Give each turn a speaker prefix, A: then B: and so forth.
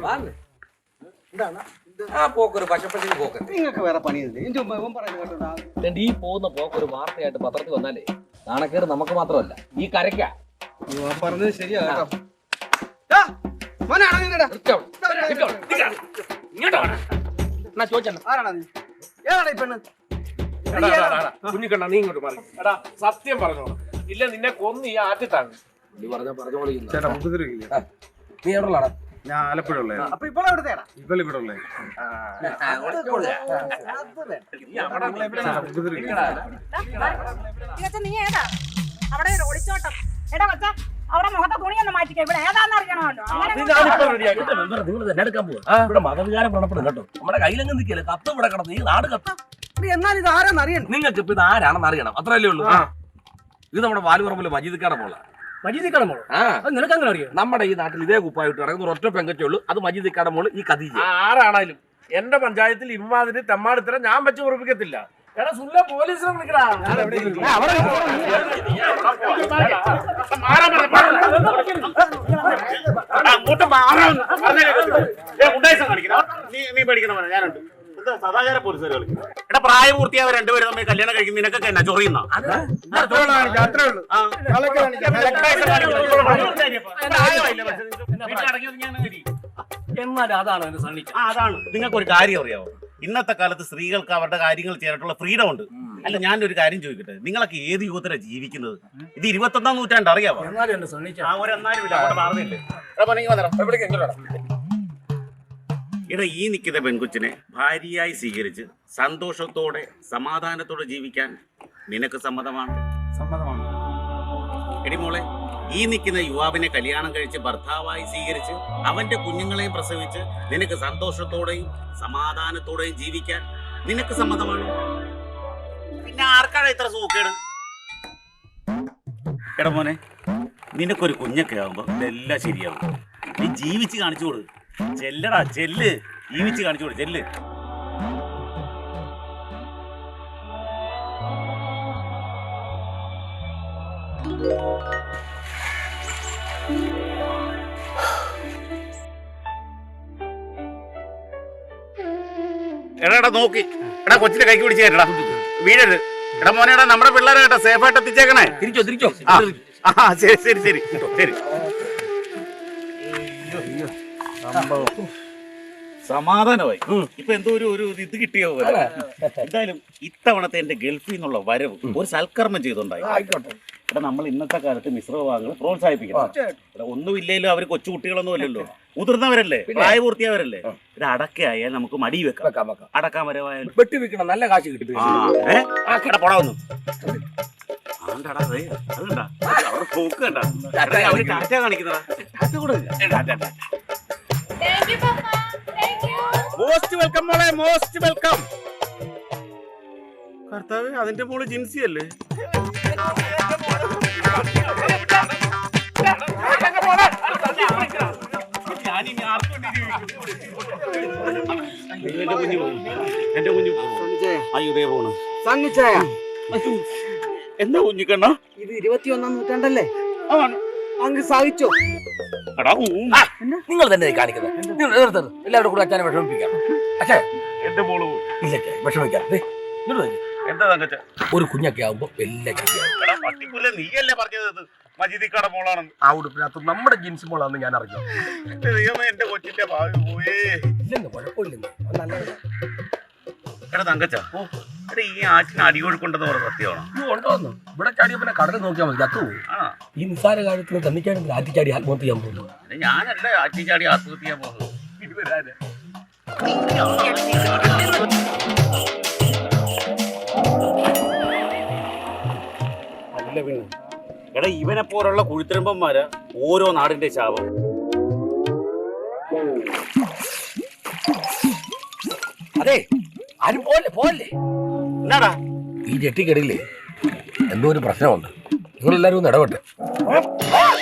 A: ആ പോക്കൊരു പശപ്പത്തിന് പോക്ക്.
B: നിങ്ങൾക്ക് വേറെ പണിയില്ലേ?
A: ഈ പോകുന്ന പോക്കൊരു വാർത്തയായിട്ട് പത്രത്തിൽ വന്നാലേ നാണക്കേട് നമുക്ക് മാത്രമല്ല ഈ കരയ്ക്ക.
B: പറഞ്ഞത് ശരിയാ.
C: കുഞ്ഞിക്കണ്ണ നീ ഇങ്ങോട്ട് മാറി. എടാ സത്യം പറഞ്ഞോളൂ, ഇല്ല നിന്നെ കൊന്ന് ഈ ആറ്റിത്താണ്.
A: നീ പറഞ്ഞോളൂ.
B: ചേട്ടാ ഉപദ്രവിക്കില്ല.
A: നീ എവിടെയുള്ളാടാ?
B: ഞാൻ ആലപ്പുഴ ഉള്ളേ.
C: അപ്പൊ ഇവളെവിടുത്തേടാ?
B: ഇവിടെ ഉള്ളേ.
D: നീ ഏതാ അവിടെ ഒളിച്ചോട്ടം? എടാ കൊച്ച അവിടെ മുഖത്തെ തുണിയൊന്നും മാറ്റിക്ക. ഇവിടെ ഏതാന്ന് അറിയണമല്ലോ.
A: ഇവിടെ മതവികാരം വ്രണപ്പെടും കേട്ടോ. നമ്മുടെ കയ്യിലെങ്ങും നിൽക്കില്ല. കത്ത് ഇവിടെ കിടന്ന് ഈ നാട് കത്ത്.
C: എന്നാൽ ഇത് ആരാന്ന് അറിയണം.
A: നിങ്ങൾക്ക് ഇപ്പൊ ഇത് ആരാണെന്ന് അറിയണം, അത്രയല്ലേ ഉള്ളൂ. ഇത് നമ്മുടെ വാലുപറമ്പില് മജീദിക്കാടെ മോള.
C: മജീദിക്കാടെ മോള്? നിനക്ക് അങ്ങനെ അറിയാം?
A: നമ്മുടെ ഈ നാട്ടിൽ ഇതേ കുപ്പായിട്ട് നടക്കുന്ന ഒറ്റ പെങ്കച്ചേ ഉള്ളൂ, അത് മജീദിക്കാടെ മോള് ഈ ഖദീജ.
C: ആരാണേലും എന്റെ പഞ്ചായത്തിൽ ഇമ്മാതിരി തെമ്മാടിത്തരം ഞാൻ വെച്ച് ഉറപ്പിക്കത്തില്ല. എടാ സുല്ല പോലീസിനെ വിളിക്കടാ.
E: നീ പഠിക്കണം ഞാനുണ്ട്. സദാചാര പോലീസുകാർ കളിക്കും. എടാ പ്രായപൂർത്തിയായ രണ്ടുപേരും തമ്മിൽ കല്യാണം കഴിക്കും. നിനക്കൊക്കെ എന്നാ ചൊറിയുന്ന?
A: എന്നാലും അതാണ്
E: അതാണ്. നിങ്ങൾക്ക് ഒരു കാര്യം അറിയാവോ? ഇന്നത്തെ കാലത്ത് സ്ത്രീകൾക്ക് അവരുടെ കാര്യങ്ങൾ ചെയ്യാനായിട്ടുള്ള ഫ്രീഡം ഉണ്ട്. അല്ല ഞാനൊരു കാര്യം ചോദിക്കട്ടെ, നിങ്ങളൊക്കെ ഏത് യുഗത്തിലാണ് ജീവിക്കുന്നത്? ഇത് 21-ാം നൂറ്റാണ്ട് അറിയാവോ? ഇട ഈ നിൽക്കുന്ന പെൺകൊച്ചിനെ ഭാര്യയായി സ്വീകരിച്ച് സന്തോഷത്തോടെ സമാധാനത്തോടെ ജീവിക്കാൻ നിനക്ക് സമ്മതമാണ്? സമ്മതമാണ്. എടി മോളെ, ഈ നിൽക്കുന്ന യുവാവിനെ കല്യാണം കഴിച്ച് ഭർത്താവായി സ്വീകരിച്ച് അവന്റെ കുഞ്ഞുങ്ങളെയും പ്രസവിച്ച് നിനക്ക് സന്തോഷത്തോടെയും സമാധാനത്തോടെയും ജീവിക്കാൻ നിനക്ക് സമ്മതമാണ്? പിന്നെ ആർക്കാണ് ഇത്ര സൂക്കേട്? എടാ മോനെ, നിനക്കൊരു കുഞ്ഞൊക്കെ ആകുമ്പോ ഇതെല്ലാം ശരിയാവും. നീ ജീവിച്ച് കാണിച്ചു കൊടു. ചെല്ലടാ ചെല്ല്, ജീവിച്ച് കാണിച്ചു കൊടു, ചെല്ല്. എടാ നോക്കി, എടാ കൊച്ചിനെ കൈക്ക് പിടിച്ച് കേട്ടടാ, വീഴരുത്. എടാ മോനെടാ, നമ്മുടെ പിള്ളേരെ കേട്ടോ സേഫായിട്ട് എത്തിച്ചേക്കണേ.
A: തിരിച്ചോ.
E: ആ ശരി ശരി ശരി ശരി. സമാധാനമായി. ഇപ്പൊ എന്തോ ഒരു ഇത് കിട്ടിയോ പോലെ. എന്തായാലും ഇത്തവണത്തെ എന്റെ ഗൾഫിൽ നിന്നുള്ള വരവ് ഒരു സൽക്കർമ്മം ചെയ്തോണ്ടായി. ഇവിടെ നമ്മൾ ഇന്നത്തെ കാലത്ത് മിശ്രവിഭാഗങ്ങൾ പ്രോത്സാഹിപ്പിക്കണം. ഇവിടെ ഒന്നുമില്ലെങ്കിലും അവർ കൊച്ചുകുട്ടികളൊന്നും അല്ലല്ലോ, മുതിർന്നവരല്ലേ, പ്രായപൂർത്തിയായവരല്ലേ. ഇത് അടക്കയായാൽ നമുക്ക് മടി വെക്കാം. അടക്കാൻ വരവായാലും
A: വെട്ടി വെക്കണം, നല്ല കാശ് കിട്ടും.
E: പോടാ വന്നു. അതുണ്ടാ അവിടെ പോക്ക് കണ്ടാ അവര് ടാറ്റ കാണിക്കുന്നതാ. മോസ്റ്റ് വെൽക്കം മോളെ, മോസ്റ്റ് വെൽക്കം. കർത്താവ്, അതിന്റെ മോള് ജിൻസി അല്ലേ? എന്റെ കുഞ്ഞു അയ്യോ പോണു. എന്താ കുഞ്ഞിക്കണ്ണ, ഇത് 21-ാം നൂറ്റാണ്ടല്ലേ? അങ്ങ് സാധിച്ചോ?
A: നിങ്ങൾ തന്നെ കാണിക്കുന്നത്. എല്ലാവരും കൂടെ അച്ഛനെ വിഷമിപ്പിക്കാം. പക്ഷേ
E: എന്റെ മോള്
A: വിഷമിക്കാം.
E: എന്താ തങ്കച്ച,
A: ഒരു കുഞ്ഞൊക്കെ ആവുമ്പോ എല്ലാ
E: പട്ടിപ്പുല്ല നീയല്ലേ പറഞ്ഞത് മജീദിക്കാടെ മോളാണെന്ന്?
A: ആ ഉടുപ്പിനകത്ത് നമ്മുടെ ജീൻസ് മോളാണെന്ന് ഞാൻ അറിഞ്ഞു.
E: എന്റെ കൊച്ചിന്റെ ഭാവി പോയേ.
A: ഇല്ലെന്ന് കുഴപ്പമില്ലെന്ന്.
E: എടാ തങ്കച്ച, ഈ ആറ്റിന് അടികൊടുക്കൊണ്ടെന്ന് പറഞ്ഞ സത്യമാണോ?
A: ഉണ്ടോന്ന് ഇവിടെ ചാടിയപ്പോ കടലിൽ നോക്കിയാൽ മതി, ചത്തു. ഈ നിസ്സാര കാര്യത്തിന് തന്നിച്ചാടി ആറ്റിച്ചാടി ആത്മഹത്യ ചെയ്യാൻ പോകുന്നു.
E: ഞാനല്ലേ ആറ്റിച്ചാടി ആത്മഹത്യ ചെയ്യാൻ പോകുന്നത്. എടാ ഇവനെ പോലുള്ള കുഴിത്തിരമ്പന്മാര് ഓരോ നാടിന്റെ ശാപം.
A: അതെ, ആരും പോലെ
E: എന്നാടാ
A: ഈ ജെട്ടിക്കടിയില്ലേ എന്തോ ഒരു പ്രശ്നമുണ്ട്. നിങ്ങളെല്ലാരും ഒന്ന് ഇടപെട്ടെ.